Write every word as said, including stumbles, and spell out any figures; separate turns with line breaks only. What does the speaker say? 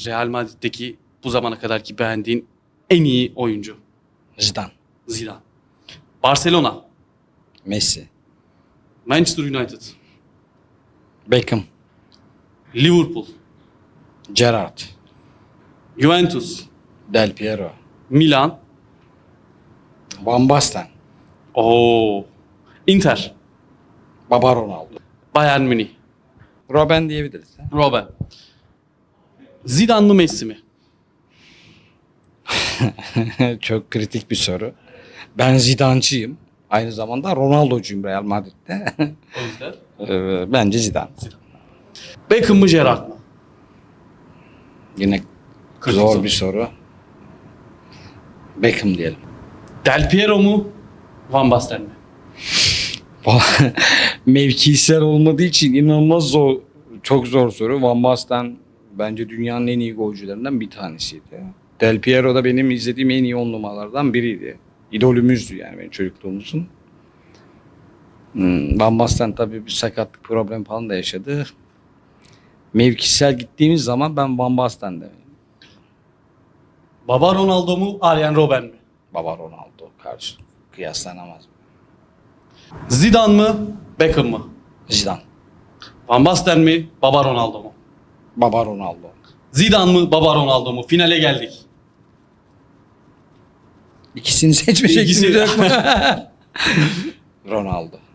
Real Madrid'deki bu zamana kadarki beğendiğin en iyi oyuncu?
Zidane.
Zidane. Barcelona.
Messi.
Manchester United.
Beckham.
Liverpool.
Gerrard.
Juventus.
Del Piero.
Milan.
Van Basten.
Oo. Inter.
Baba Ronaldo.
Bayern Münih.
Robben diyebiliriz.
Robben. Zidane mı Messi mi?
Çok kritik bir soru. Ben Zidane'cıyım. Aynı zamanda Ronaldo'cuyum Real Madrid'de.
O yüzden.
Ee, Bence Zidane.
Beckham mı Gerrard mı?
Yine
Kritik
zor
soru.
bir soru. Beckham diyelim.
Del Piero mu? Van Basten mi?
Mevkisel olmadığı için inanılmaz zor, çok zor soru. Van Basten bence dünyanın en iyi golcülerinden bir tanesiydi. Del Piero da benim izlediğim en iyi on numaralardan biriydi. İdolümüzdü yani benim çocukluğumuzun. Hmm, Van Basten tabii bir sakatlık problem falan da yaşadı. Mevkisel gittiğimiz zaman ben Van Basten'de.
Baba Ronaldo mu? Arjen Robben mi?
Baba Ronaldo karşı kıyaslanamaz.
Zidane mı? Beckham mı?
Zidane.
Van Basten mi? Baba Ronaldo mu?
Baba Ronaldo.
Zidane mı? Baba Ronaldo mu? Finale geldik.
İkisini seçme
İkisi-
şeklimiz yok mu? Ronaldo.